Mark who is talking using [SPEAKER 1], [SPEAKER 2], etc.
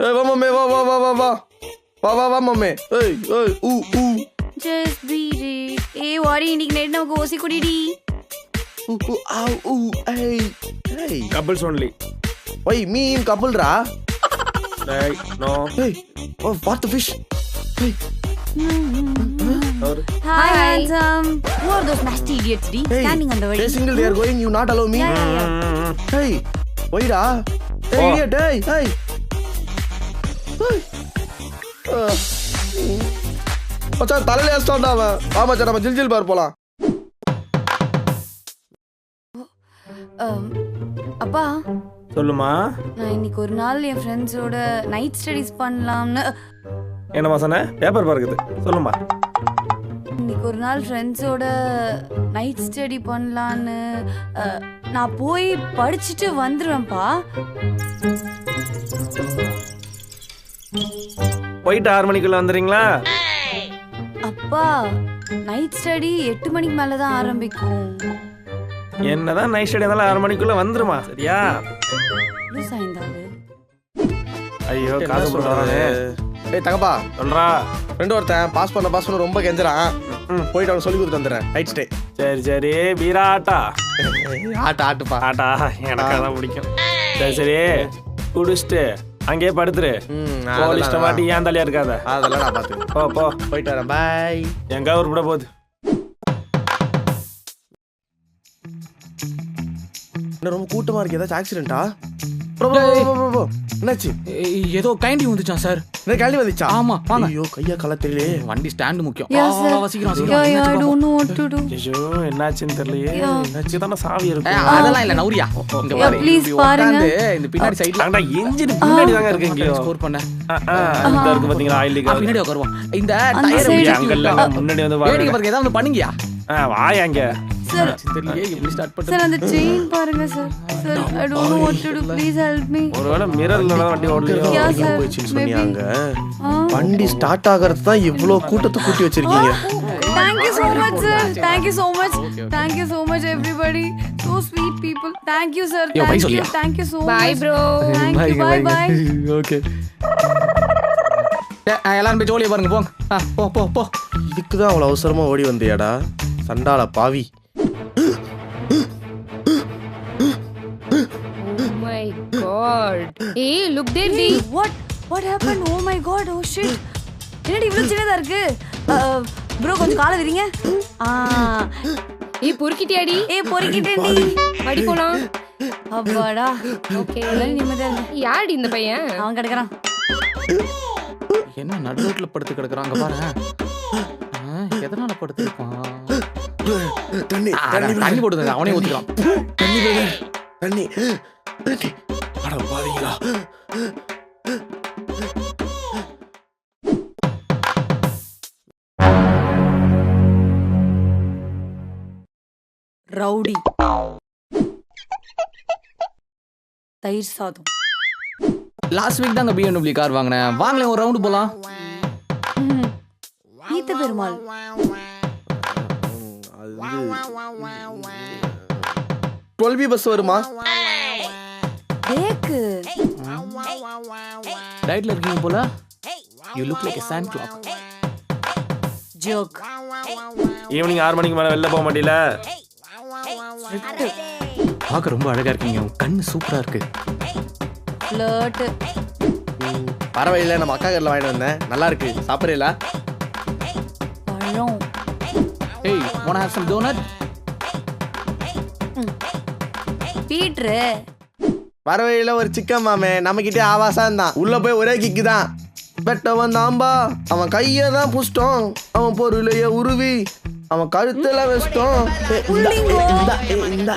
[SPEAKER 1] ஏய் வா மம்மே வா வா வா வா வா வா வா வா மம்மே. ஏய் ஏய் ஊ ஊ
[SPEAKER 2] just beat it. ஏய் வாடி இன்னைக்கு நைட் நமக்கு ஓசி குடிடி.
[SPEAKER 1] ஊ ஊ ஆ ஊ ஏய் ஏய்
[SPEAKER 3] couples only.
[SPEAKER 1] why me in couple ra?
[SPEAKER 3] Hey, no.
[SPEAKER 1] Hey, oh what the fish? Hey.
[SPEAKER 2] Hi handsome. Who are those nasty idiots di standing on the way?
[SPEAKER 1] Hey single they are going, you not allow me?
[SPEAKER 2] Yeah.
[SPEAKER 1] Hey, why ra? Hey idiot, hey hey. மச்சா தலையில ஏஸ்டான்டா அவன். வா மச்சா நம்ம ஜில் பார் போலாம்.
[SPEAKER 2] அப்பா
[SPEAKER 3] சொல்லுமா.
[SPEAKER 2] நான் இன்னைக்கு ஒரு நாள் என் ஃப்ரெண்ட்ஸோட நைட் ஸ்டடீஸ் பண்ணலாம்னு.
[SPEAKER 3] என்னமா சொன்ன? பேப்பர் பார்க்குது. சொல்லுமா.
[SPEAKER 2] இன்னைக்கு ஒரு நாள் ஃப்ரெண்ட்ஸோட நைட் ஸ்டடி பண்ணலான்னு நான் போய் படிச்சுட்டு வந்துடுவேன்ப்பா.
[SPEAKER 3] போயிட்டு 6 மணிக்குள்ள வந்துடுறீங்களா?
[SPEAKER 2] அப்பா நைட் ஸ்டடி 8 மணிக்கு மேல தான் ஆரம்பிக்கும்.
[SPEAKER 3] என்னதான் நைட் ஸ்டடி இருந்தாலும் 6 மணிக்குள்ள வந்துருமா? சரியா?
[SPEAKER 2] சாய்ந்தாது.
[SPEAKER 3] ஐயோ காசு போடுறானே.
[SPEAKER 1] ஏய் தங்கப்பா
[SPEAKER 3] சொல்றா.
[SPEAKER 1] ஃப்ரெண்ட் ஒருத்தன் பாஸ் பண்ண ரொம்ப கெஞ்சறான். போயிட்டு அவன் சொல்லி கொடுத்துட்டு வந்துடுறேன். Night stay.
[SPEAKER 3] சரி சரி வீராட்டா.
[SPEAKER 1] ஆட்டுப்பா
[SPEAKER 3] ஆட்டா எனக்கு அதான் பிடிக்கும். சரி சரி குடிச்சிட்டு அங்கேயே படுத்துரு. போலீஸ்ட மாட்டி ஏன் தலையா இருக்காத.
[SPEAKER 1] அதெல்லாம் நான் பாத்துக்கிறேன்.
[SPEAKER 3] போ
[SPEAKER 1] போயிட்டு வரேன். பாய்.
[SPEAKER 3] எங்க ஊர் கூட போகுது.
[SPEAKER 1] என்ன ரொம்ப கூட்டமா இருக்கு. ஏதாச்சும் ஆக்சிடென்ட்டா? என்னாச்சு?
[SPEAKER 4] ஏதோ கைண்டி வந்துச்சான் சார்.
[SPEAKER 1] என்ன கேள்வி வந்துச்சா?
[SPEAKER 4] ஆமா வாங்க.
[SPEAKER 1] ஐயோ கையா கால தெரியல.
[SPEAKER 4] வண்டி ஸ்டாண்ட் முக்கியம்.
[SPEAKER 2] சீக்கிரம் I don't know what to do.
[SPEAKER 3] ஐயோ என்னாச்சுன்னு தெரியலையே. என்னாச்சு தான சாவி இருக்கு.
[SPEAKER 4] அதெல்லாம் இல்ல நௌரியா. இங்க பாரு.
[SPEAKER 2] ப்ளீஸ் பாருங்க.
[SPEAKER 4] இந்த பின்னாடி சைடுல
[SPEAKER 3] அடடா இன்ஜின் பின்னாடி தாங்க இருக்கு. இங்க
[SPEAKER 4] ஸ்கோர் பண்ண.
[SPEAKER 3] இந்த இருக்கு பாத்தீங்களா ஆயில் லீக்.
[SPEAKER 4] பின்னாடி உட்காருவோம். இந்த
[SPEAKER 2] அந்த
[SPEAKER 4] டயர்
[SPEAKER 2] side.
[SPEAKER 3] அங்கல்ல முன்னாடி வந்து
[SPEAKER 4] வேடிக்கை பாருங்க. ஏதாவது பண்ணுங்கயா.
[SPEAKER 3] வாய் அங்க.
[SPEAKER 2] சார்
[SPEAKER 4] தெரியலையே எப்படி ஸ்டார்ட் பண்ணு.
[SPEAKER 2] சார் அந்த செயின் பாருங்க sir. Sir I don't know what to do. Please help me.
[SPEAKER 3] ஒருவேளை மிரர்ல தான் வண்டி ஓடலையோ.
[SPEAKER 2] Yeah, sir.
[SPEAKER 1] போயிடுச்சுன்னு சொன்னீங்க. வண்டி ஸ்டார்ட் ஆகிறது தான் இவ்ளோ கூட்டத்தை கூட்டி வச்சிருக்கீங்க.
[SPEAKER 2] Thank you so much sir. Thank you so much. Thank you so much everybody. So sweet people. Thank you sir.
[SPEAKER 4] Yo, bye
[SPEAKER 2] Thank you.
[SPEAKER 4] சொல்லியா.
[SPEAKER 2] Thank you so much.
[SPEAKER 5] Bye bro.
[SPEAKER 2] Thank you. Bye bye.
[SPEAKER 1] Okay.
[SPEAKER 4] எல்லாரும் போய் ஜோலியா பாருங்க போங்க. போ போ போ.
[SPEAKER 1] இதுக்கு தான் அவ்வளவு அவசரமா ஓடி வந்தியாடா சண்டால பாவி.
[SPEAKER 5] Oh my god. Hey, look there.
[SPEAKER 2] Hey, what happened? Oh my god. Oh shit. என்னடி இவ்ளோ சின்னதா இருக்கு? bro கொஞ்சம் காலை விரிங்க.
[SPEAKER 5] ஏய் பொறுக்கிட்டியாடி?
[SPEAKER 2] ஏய் பொறுக்கிட்டேன்டி.
[SPEAKER 5] அடி போலாம்.
[SPEAKER 2] அப்பாடா.
[SPEAKER 5] ஓகே.
[SPEAKER 2] நிம்மதியா இரு.
[SPEAKER 5] யாடி இந்த பையன்?
[SPEAKER 2] அவன் கிடக்குறான்.
[SPEAKER 4] என்ன நடு ரோட்ல படுத்து கிடக்குறாங்க பாருங்க. எதனால படுத்து இருப்பான்? தண்ணி போடுங்க. அவனே ஊத்திக்கலாம்.
[SPEAKER 1] தண்ணி அட பாவிங்களா.
[SPEAKER 2] ரவுடி தயிர் சாதம்.
[SPEAKER 4] லாஸ்ட் வீக் தாங்க BMW கார் வாங்கினேன். வாங்கல ஒரு ரவுண்ட் போலாம்.
[SPEAKER 2] ஈத்த பெருமாள்.
[SPEAKER 1] அது 12B பஸ் வருமா?
[SPEAKER 2] தேக்கு.
[SPEAKER 4] டயட்ல இருக்கீங்க போல. You look like a sand clock.
[SPEAKER 2] Joke.
[SPEAKER 3] Evening 6 மணிக்கு மேல வெளில போக மாட்டீல.
[SPEAKER 4] பார்க்க ரொம்ப அழகா இருக்கீங்க. உங்க கண்ணு சூப்பரா இருக்கு.
[SPEAKER 2] ஃப்ளர்ட்.
[SPEAKER 1] பரவாயில்ல நம்ம அக்கா கடையில் வாங்கிட்டு வந்தேன். நல்லா இருக்கு. சாப்பிட்றீங்களா?
[SPEAKER 2] பழம்.
[SPEAKER 4] Hey, wanna have some donut?
[SPEAKER 2] பீட்ரு.
[SPEAKER 1] பரவாயில்ல ஒரு சிக்கன் மாமே நம்மகிட்டே ஆவாசா இருந்தான். உள்ள போய் ஒரே கிக்கு தான். பெட்டவன் தாம்பா. அவன் கையை தான் புஷ்டம். அவன் பொருளைய உருவி அவன் கழுத்துல வச்சிட்டோம். இந்தா